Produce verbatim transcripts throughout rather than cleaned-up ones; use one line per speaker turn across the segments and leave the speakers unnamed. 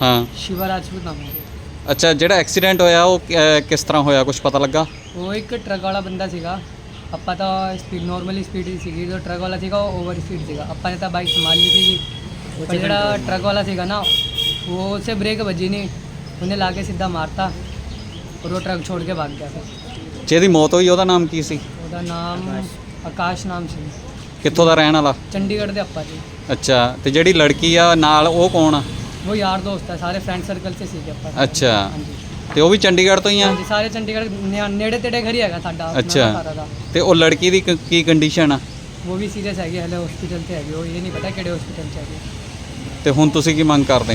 हाँ
शिवा राजपूत नाम है।
अच्छा ਜਿਹੜਾ ਐਕਸੀਡੈਂਟ ਹੋਇਆ ਉਹ ਕਿ- ਕਿਸ ਤਰ੍ਹਾਂ ਹੋਇਆ ਕੁਝ ਪਤਾ ਲੱਗਾ?
वो एक ट्रक वाला बंदा सीगा, ਆਪਾਂ ਤਾਂ स्पीड नॉर्मली स्पीड ही ਸੀਗੀ, जो ट्रक वाला ਸੀਗਾ ਉਹ ओवर स्पीड ਸੀਗਾ, ਆਪਾਂ ਨੇ ਤਾਂ ਬਾਈਕ ਸੰਭਾਲ ਲਈ ਸੀਗੀ, ਪਰ ਜਿਹੜਾ ट्रक वाला ਸੀਗਾ ना वो उससे ब्रेक बजी नहीं, ਉਹਨੇ ਲਾ ਕੇ ਸਿੱਧਾ ਮਾਰਤਾ और वो ट्रक छोड़ के भाग गया। फिर
ਜਿਹਦੀ ਮੌਤ ਹੋਈ ਉਹਦਾ ਨਾਮ ਕੀ ਸੀ?
ਉਹਦਾ ਨਾਮ ਆਕਾਸ਼ ਨਾਮ ਸੀ,
ਕਿੱਥੋਂ ਦਾ ਰਹਿਣ ਵਾਲਾ?
ਚੰਡੀਗੜ੍ਹ ਦੇ ਆਪਾਂ ਜੀ।
ਅੱਛਾ ਤੇ ਜਿਹੜੀ ਲੜਕੀ ਆ ਨਾਲ ਉਹ ਕੌਣ ਆ?
वो यार दोस्त है, सारे फ्रेंड सर्कल से सीखे ਆਪਾਂ।
ਅੱਛਾ
हाँ जी
ਤੇ ਉਹ ਵੀ ਚੰਡੀਗੜ੍ਹ ਤੋਂ ਹੀ ਆ?
ਹਾਂਜੀ ਸਾਰੇ ਚੰਡੀਗੜ੍ਹ ਨੇ- ਨੇੜੇ ਤੇੜੇ ਘਰ ਹੀ ਹੈਗਾ ਸਾਡਾ ਆਪਣਾ
ਅੱਛਾ।
ਸਾਰਾ ਦਾ।
ਤੇ ਉਹ ਲੜਕੀ ਦੀ ਕ- ਕੀ ਕੰਡੀਸ਼ਨ ਆ?
ਉਹ ਵੀ ਸੀਰੀਅਸ ਹੈਗੀ, ਹਲੇ ਹਸਪੀਟਲ ਤੇ ਹੈਗੀ, ਉਹ ਇਹ ਨਹੀਂ ਪਤਾ ਕਿਹੜੇ ਹਸਪੀਟਲ 'ਚ ਹੈਗੀ।
ਤੇ ਹੁਣ ਤੁਸੀਂ ਕੀ ਮੰਗ ਕਰਦੇ?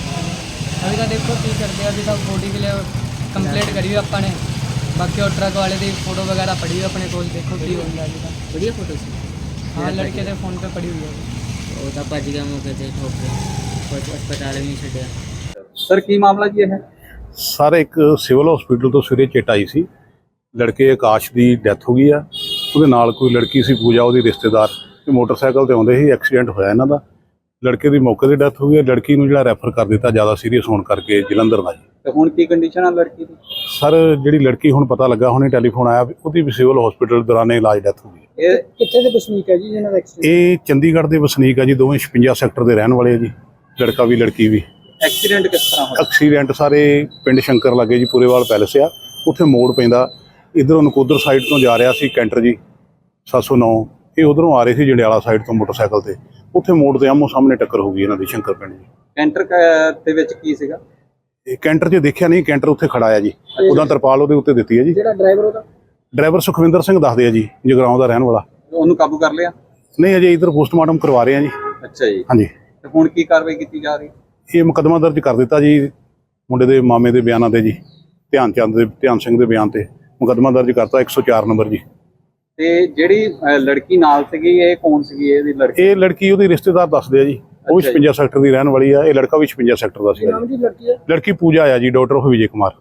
ਅਭੀ ਤਾਂ ਦੇਖੋ ਕੀ ਕਰਦੇ ਆ, ਅਭੀ ਤਾਂ ਬੋਡੀ ਕੇ ਲਈ ਕੰਪਲੀਟ ਕਰੀ ਹੋਈ ਆਪਾਂ ਨੇ, ਬਾਕੀ ਉਹ ਟਰੱਕ ਵਾਲੇ ਦੀ ਫੋਟੋ ਵਗੈਰਾ ਪੜੀ ਹੋਈ ਆਪਣੇ ਕੋਲ, ਦੇਖੋ ਕੀ ਹੁੰਦਾ ਅਭੀ ਤਾਂ।
बढ़िया फोटो सी
ਹਾਂ ਲੜਕੇ ਦੇ ਫੋਨ ਤੇ ਪੜੀ ਹੋਈ ਹੈ।
वो तो भज गया मौके से ठोक के अस्पताल भी नहीं छड्या।
ਸਰ ਕੀ ਮਾਮਲਾ ਜੀ ਇਹ?
ਸਰ ਇੱਕ ਸਿਵਲ ਹਸਪੀਟਲ ਤੋਂ ਸਵੇਰੇ ਚਿੱਟ ਆਈ ਸੀ, ਲੜਕੇ ਆਕਾਸ਼ ਦੀ ਡੈਥ ਹੋ ਗਈ ਆ। ਉਹਦੇ ਨਾਲ ਕੋਈ ਲੜਕੀ ਸੀ ਪੂਜਾ, ਉਹਦੀ ਰਿਸ਼ਤੇਦਾਰ, ਤੇ ਮੋਟਰਸਾਈਕਲ ਤੇ ਆਉਂਦੇ ਸੀ, ਐਕਸੀਡੈਂਟ ਹੋਇਆ ਇਹਨਾਂ ਦਾ। ਲੜਕੇ ਦੀ ਮੌਕੇ ਤੇ ਡੈਥ ਹੋ ਗਈ, ਲੜਕੀ ਨੂੰ ਜਿਹੜਾ ਰੈਫਰ ਕਰ ਦਿੱਤਾ ਜ਼ਿਆਦਾ ਸੀਰੀਅਸ ਹੋਣ ਕਰਕੇ ਜਲੰਧਰ ਦਾ ਜੀ।
ਤੇ ਹੁਣ ਕੀ ਕੰਡੀਸ਼ਨ ਆ ਲੜਕੀ ਦੀ?
ਸਰ ਜਿਹੜੀ ਲੜਕੀ ਹੁਣ ਪਤਾ ਲੱਗਾ, ਹੁਣੇ ਟੈਲੀਫੋਨ ਆਇਆ ਵੀ ਉਹਦੀ ਵੀ ਸਿਵਲ ਹਸਪੀਟਲ ਦੌਰਾਨੇ ਇਲਾਜ ਡੈਥ ਹੋ ਗਈ।
ਇਹ
ਕਿੱਥੇ ਦੇ ਵਸਨੀਕ ਹੈ ਜੀ ਜਿਹਨਾਂ ਦਾ ਐਕਸੀਡੈਂਟ?
ਇਹ ਚੰਡੀਗੜ੍ਹ ਦੇ ਵਸਨੀਕ ਆ ਜੀ, ਦੋਵੇਂ ਛਪੰਜਾ ਸੈਕਟਰ ਦੇ ਰਹਿਣ ਵਾਲੇ ਆ ਜੀ, ਲੜਕਾ ਵੀ ਲੜਕੀ ਵੀ।
ਐਕਸੀਡੈਂਟ ਕਿਸ ਤਰ੍ਹਾਂ ਹੋਇਆ?
ਐਕਸੀਡੈਂਟ ਸਾਰੇ ਪਿੰਡ ਸ਼ੰਕਰ ਲਾਗੇ ਜੀ, ਪੂਰੇਵਾਲ ਪੈਲਸ ਆ, ਉੱਥੇ ਮੋੜ ਪੈਂਦਾ। ਇੱਧਰੋਂ ਨਕੋਦਰ ਸਾਈਡ ਤੋਂ ਜਾ ਰਿਹਾ ਸੀ ਕੈਂਟਰ ਜੀ ਸੱਤ ਸੌ ਨੌ, ਇਹ ਉਧਰੋਂ ਆ ਰਹੇ ਸੀ ਜੰਡਿਆਲਾ ਸਾਈਡ ਤੋਂ ਮੋਟਰਸਾਈਕਲ ਤੇ, ਉੱਥੇ ਮੋੜ ਤੇ ਆਮੋ ਸਾਹਮਣੇ ਟੱਕਰ ਹੋ ਗਈ ਇਹਨਾਂ ਦੀ ਸ਼ੰਕਰ ਪਿੰਡ ਜੀ।
ਕੈਂਟਰ ਦੇ ਵਿੱਚ ਕੀ ਸੀਗਾ?
ਇਹ ਕੈਂਟਰ 'ਚ ਦੇਖਿਆ ਨਹੀਂ, ਕੈਂਟਰ ਉੱਥੇ ਖੜਾ ਆ ਜੀ, ਉਹਦਾ ਤਰਪਾਲ ਉਹਦੇ ਉੱਤੇ ਦਿੱਤੀ ਹੈ ਜੀ।
ਜਿਹੜਾ ਡਰਾਈਵਰ ਉਹਦਾ?
ਡਰਾਈਵਰ ਸੁਖਵਿੰਦਰ ਸਿੰਘ ਦੱਸਦੇ ਆ ਜੀ, ਜਗਰਾਉਂ ਦਾ ਰਹਿਣ ਵਾਲਾ।
ਉਹਨੂੰ ਕਾਬੂ ਕਰ ਲਿਆ?
ਨਹੀਂ ਅਜੇ ਇੱਧਰ ਪੋਸਟਮਾਰਟਮ ਕਰਵਾ ਰਹੇ ਆ ਜੀ।
ਅੱਛਾ ਜੀ।
ਹਾਂਜੀ
ਤੇ ਹੁਣ ਕੀ ਕਾਰਵਾਈ ਕੀਤੀ ਜਾ ਰਹੀ?
ਇਹ ਮੁਕੱਦਮਾ ਦਰਜ ਕਰ ਦਿੱਤਾ ਜੀ, ਮੁੰਡੇ ਦੇ ਮਾਮੇ ਦੇ ਬਿਆਨਾਂ ਤੇ ਜੀ, ਧਿਆਨ ਚੰਦ ਦੇ ਧਿਆਨ ਸਿੰਘ ਦੇ ਬਿਆਨ ਤੇ ਮੁਕੱਦਮਾ ਦਰਜ ਕਰਤਾ ਇੱਕ ਸੌ ਚਾਰ ਨੰਬਰ ਜੀ।
ਤੇ ਜਿਹੜੀ ਅ, ਲੜਕੀ ਨਾਲ ਸੀਗੀ ਇਹ ਕੌਣ ਸੀਗੀ? ਇਹਦੀ ਲੜਕੀ?
ਇਹ ਲੜਕੀ ਉਹਦੀ ਰਿਸ਼ਤੇਦਾਰ ਦੱਸਦੇ ਆ ਜੀ, ਉਹ
ਅੱਛਾ ਜੀ।
ਛਪੰਜਾ ਸੈਕਟਰ ਦੀ ਰਹਿਣ ਵਾਲੀ ਆ, ਇਹ ਲੜਕਾ ਵੀ ਛਪੰਜਾ ਸੈਕਟਰ ਦਾ ਸੀ।
ਨਾਮ ਦੀ ਲੜਕੀ ਹੈ?
ਲੜਕੀ ਪੂਜਾ ਆ ਜੀ, ਡਾਕਟਰ ਉਹ ਵਿਜੇ ਕੁਮਾਰ।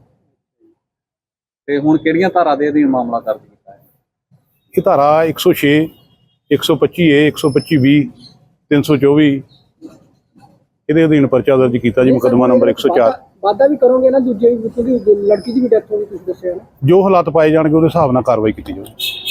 ਤੇ ਹੁਣ ਕਿਹੜੀਆਂ ਧਾਰਾ ਦੇ ਅਧੀਨ ਮਾਮਲਾ ਦਰਜ ਕੀਤਾ ਹੈ?
ਇਹ ਧਾਰਾ ਇੱਕ ਸੌ ਛੇ, ਇੱਕ ਸੌ ਪੱਚੀ ਏ, ਇੱਕ ਸੌ ਪੱਚੀ ਵੀਹ, ਤਿੰਨ ਸੌ ਚੌਵੀ ਇਹਦੇ ਅਧੀਨ ਪਰਚਾ ਦਰਜ ਕੀਤਾ ਜੀ, ਮੁਕੱਦਮਾ ਨੰਬਰ ਇੱਕ ਸੌ ਚਾਰ।
ਵਾਦਾ ਵੀ ਕਰੋਗੇ ਨਾ ਦੂਜੇ, ਕਿਉਂਕਿ ਲੜਕੀ ਦੀ ਵੀ ਡੈਥ ਹੋ ਗਈ ਤੁਸੀਂ ਦੱਸਿਆ ਨਾ।
ਜੋ ਹਾਲਾਤ ਪਾਏ ਜਾਣਗੇ ਉਹਦੇ ਹਿਸਾਬ ਨਾਲ ਕਾਰਵਾਈ ਕੀਤੀ ਜਾਊਗੀ।